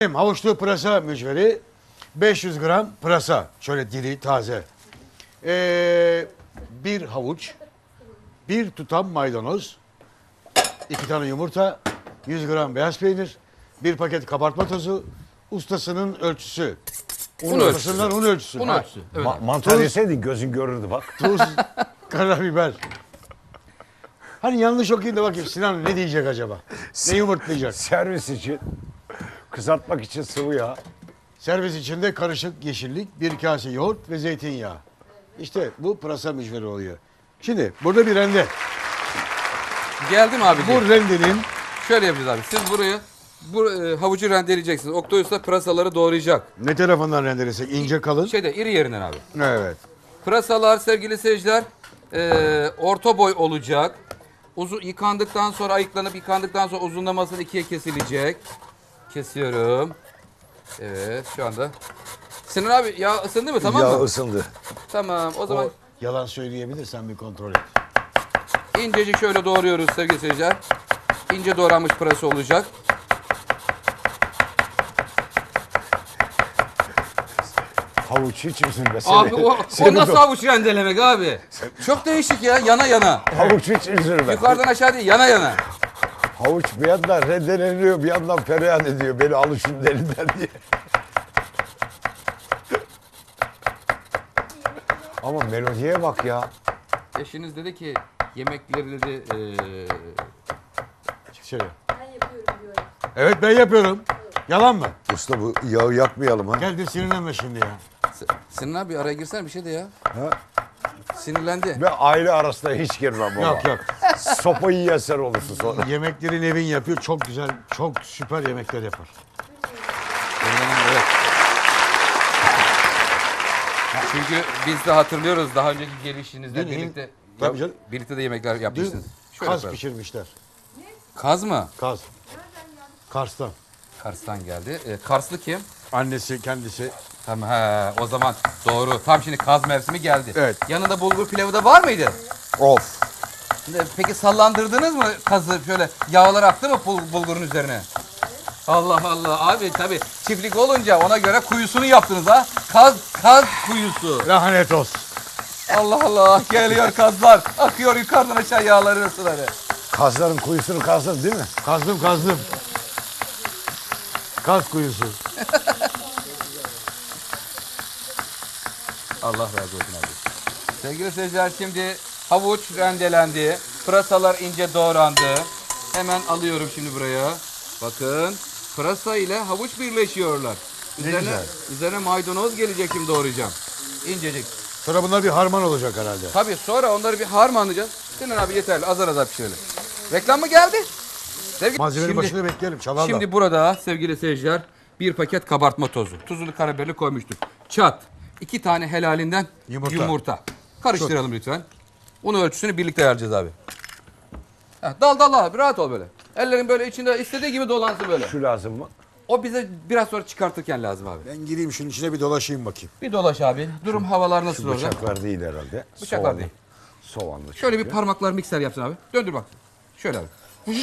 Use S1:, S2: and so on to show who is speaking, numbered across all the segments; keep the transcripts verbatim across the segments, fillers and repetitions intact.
S1: Havuçlu pırasa mücveri, beş yüz gram pırasa, şöyle diri taze. Ee, bir havuç, bir tutam maydanoz, iki tane yumurta, yüz gram beyaz peynir, bir paket kabartma tozu, ustasının ölçüsü. Un,
S2: Un
S1: ustasından un ölçüsü.
S2: Un
S1: Ha,
S2: ölçüsü. Evet.
S3: Ma- mantar
S1: Tuz.
S3: yeseydin gözün görürdü bak.
S1: Tuz, karabiber. Hani yanlış okuyayım da bakayım Sinan ne diyecek acaba? Ne yumurtlayacak?
S3: Servis için, kızartmak için sıvı yağ.
S1: Servis içinde karışık yeşillik, bir kase yoğurt ve zeytinyağı. İşte bu pırasa mücveri oluyor. Şimdi burada bir rende.
S2: Geldi mi abi?
S1: Bu rendenin
S2: Şöyle yapacağız abi. Siz burayı bu e, havucu rendeleyeceksiniz. Oktay Usta pırasaları doğrayacak.
S1: ne tarafından rendelesek? İnce kalın.
S2: Şeyde iri yerinden abi.
S1: Evet.
S2: Pırasalar sevgili seyirciler e, orta boy olacak. Uzun yıkandıktan sonra ayıklanıp yıkandıktan sonra uzunlamasını ikiye kesilecek. Kesiyorum. Evet şu anda. Sinan abi yağ ısındı mı tamam
S3: Yağ
S2: mı?
S3: ısındı.
S2: Tamam o zaman
S1: O yalan söyleyebilirsen bir kontrol et.
S2: incecik şöyle doğruyoruz sevgili seyirciler. İnce doğranmış pırasa olacak.
S3: Havuç hiç üzülme.
S2: Abi
S3: Seni-
S2: o, o
S3: seni
S2: nasıl
S3: do-
S2: havuç rendelemek abi? Çok değişik ya yana yana.
S3: Havuç hiç üzülme.
S2: Yukarıdan aşağı değil yana yana.
S3: Havuç bir yandan rendeleniyor, bir yandan feryat ediyor. Beni alın şunun elinden diye. Ama melodiye bak ya.
S2: Eşiniz dedi ki yemekleri dedi eee
S1: Şöyle. Evet ben yapıyorum. Yalan mı?
S3: Usta bu yağı yakmayalım ha.
S1: Gel de sinirlenme şimdi ya.
S2: S- Sinan abi araya girsene bir şey de ya.
S3: Ha?
S2: Sinirlendi.
S3: Ve aile arasında hiç girmem baba.
S1: Yok yok.
S3: Sopayı yersen olursun sonra.
S1: Yemekleri Nevin yapıyor. Çok güzel, çok süper yemekler yapar.
S2: Evet. Çünkü biz de hatırlıyoruz daha önceki gelişinizde
S1: Dün-
S2: birlikte
S1: Tabii canım.
S2: birlikte de yemekler
S1: Dün
S2: yapmışsınız. Şöyle
S1: kaz
S2: yapalım.
S1: pişirmişler.
S2: Kaz mı?
S1: Kaz. Kars'tan.
S2: Kars'tan geldi. Ee, Karslı kim?
S1: Annesi kendisi.
S2: Tamam he, o zaman doğru. Tam şimdi kaz mevsimi geldi.
S1: Evet.
S2: Yanında bulgur pilavı da var mıydı?
S3: Of.
S2: Şimdi Peki sallandırdınız mı kazı şöyle yağlar aktı mı bul- bulgurun üzerine? Allah Allah abi tabii çiftlik olunca ona göre kuyusunu yaptınız ha. Kaz kaz kuyusu.
S1: Lanet olsun.
S2: Allah Allah geliyor kazlar. Akıyor yukarıdan aşağı yağları ısıları.
S3: Kazların kuyusunu kazdın değil mi?
S1: Kazdım kazdım. Kaz kuyusu.
S2: Allah razı olsun abi. Sevgili seyirciler şimdi havuç rendelendi. Pırasalar ince doğrandı. Hemen alıyorum şimdi buraya. Bakın pırasa ile havuç birleşiyorlar. Üzerine,
S1: güzel.
S2: üzerine maydanoz gelecek şimdi doğrayacağım. İncecik.
S1: Sonra bunlar bir harman olacak herhalde.
S2: Tabii sonra onları bir harmanlayacağız. Sinan abi yeterli azar azar pişirelim. Reklam mı geldi? Sevgili...
S1: Malzemenin
S2: Şimdi-
S1: başında bekleyelim. Çalarlar.
S2: Şimdi burada sevgili seyirciler bir paket kabartma tozu. Tuzlu karabiberli koymuştuk. Çat. iki tane helalinden
S1: Yumurta.
S2: yumurta. Karıştıralım lütfen. Unu ölçüsünü birlikte ayarlayacağız abi. Heh, dal dal abi rahat ol böyle. Ellerin böyle içinde istediği gibi dolansın böyle.
S3: Şu lazım mı?
S2: O bize biraz sonra çıkartırken lazım abi.
S1: Ben gireyim şunun içine bir dolaşayım bakayım.
S2: Bir dolaş abi. Durum havalar nasıl
S3: Şu
S2: orada?
S3: bıçaklar değil herhalde.
S2: Bıçaklar
S3: Soğanlı.
S2: değil.
S3: Soğanlı.
S2: Şöyle bir
S3: çünkü.
S2: parmaklar mikser yapsın abi. Döndür bak. Şöyle abi.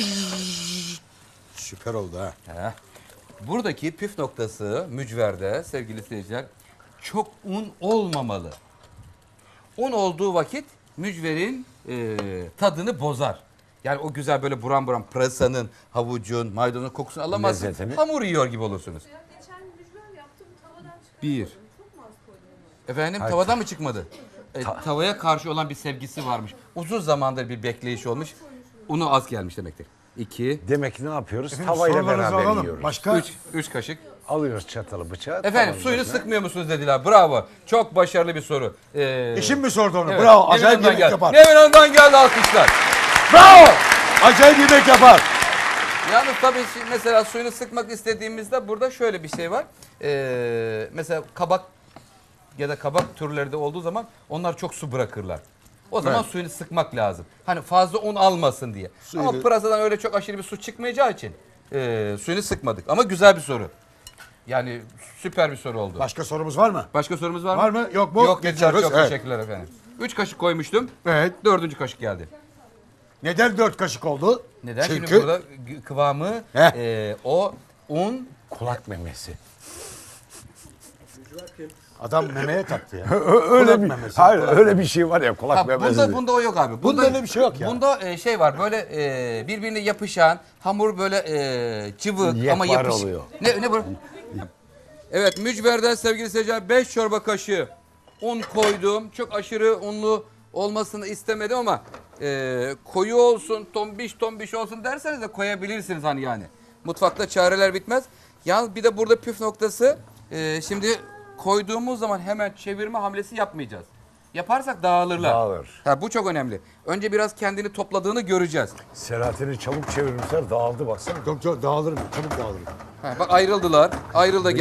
S1: Süper oldu ha.
S2: Heh. Buradaki püf noktası mücverde sevgili seyirciler çok un olmamalı. Un olduğu vakit mücverin e, tadını bozar. Yani o güzel böyle buram buram pırasanın, havucun, maydanozun kokusunu alamazsınız.
S3: Lezzetini.
S2: Hamur yiyor gibi olursunuz.
S4: Ya geçen mücver yaptım tavadan çıkartmadım.
S2: Bir.
S4: Çok mu az koydum onu?
S2: Efendim
S3: Hayır.
S2: tavadan mı çıkmadı? E, tavaya karşı olan bir sevgisi varmış. Uzun zamandır bir bekleyiş olmuş. Unu az gelmiş demektir. İki.
S3: Demek ki ne yapıyoruz?
S1: Efendim,
S3: Tavayla
S1: sorularınızı
S3: beraber
S1: alalım.
S3: yiyoruz.
S1: Başka?
S2: Üç. Üç kaşık.
S3: Alıyoruz çatalı bıçağı.
S2: Efendim
S3: tavanın
S2: suyunu
S3: başına.
S2: sıkmıyor musunuz dediler. Bravo. Çok başarılı bir soru. Ee,
S1: Eşim mi sordu onu?
S2: evet.
S1: Bravo.
S2: Nevin
S1: Acayip
S2: Hanım'dan
S1: yemek
S2: geldi.
S1: yapar.
S2: Nevin Hanım'dan geldi alkışlar.
S1: Bravo. Acayip yemek yapar.
S2: Yalnız tabii şimdi mesela suyunu sıkmak istediğimizde burada şöyle bir şey var. Ee, mesela kabak ya da kabak türleri de olduğu zaman onlar çok su bırakırlar. O zaman
S1: Evet.
S2: suyunu sıkmak lazım. Hani fazla un almasın diye.
S1: Suyu
S2: Ama
S1: da-
S2: pırasadan öyle çok aşırı bir su çıkmayacağı için ee, suyunu sıkmadık. Ama güzel bir soru. Yani süper bir soru oldu.
S1: Başka sorumuz var mı?
S2: Başka sorumuz var mı?
S1: Var mı? Yok mu?
S2: Yok dediler.
S1: Geçiyoruz.
S2: Çok
S1: Evet.
S2: teşekkürler efendim. Üç kaşık koymuştum.
S1: Evet.
S2: Dördüncü kaşık geldi.
S1: Neden dört kaşık oldu?
S2: Neden?
S1: Çünkü
S2: Şimdi burada gü- kıvamı
S1: Heh.
S2: e, o un
S3: Kulak memesi.
S1: Adam memeye taktı ya.
S3: öyle
S1: Kulak
S3: bir
S1: memesi,
S3: hayır
S1: kulak
S3: öyle bir şey var ya kulak
S2: Ha,
S3: memesi.
S2: bunda, bunda o yok abi.
S1: Bunda öyle bir şey yok ya.
S2: Bunda e, şey var böyle e, birbirine yapışan hamur böyle e, cıvık
S3: Yekpare
S2: ama yapış.
S3: oluyor.
S2: Ne ne bu? Evet, mücverden sevgili seyirciler beş çorba kaşığı un koydum. Çok aşırı unlu olmasını istemedim ama e, koyu olsun, tombiş tombiş olsun derseniz de koyabilirsiniz hani yani. Mutfakta çareler bitmez. Yalnız bir de burada püf noktası e, şimdi koyduğumuz zaman hemen çevirme hamlesi yapmayacağız. Yaparsak dağılırlar.
S3: Dağılır.
S2: Ha, bu çok önemli. Önce biraz kendini topladığını göreceğiz.
S3: Selahattin'i çabuk çevirmişler dağıldı baksana.
S1: Çok çok dağılırım. Çabuk dağılırım.
S2: Ha, bak ayrıldılar. Ayrıldı.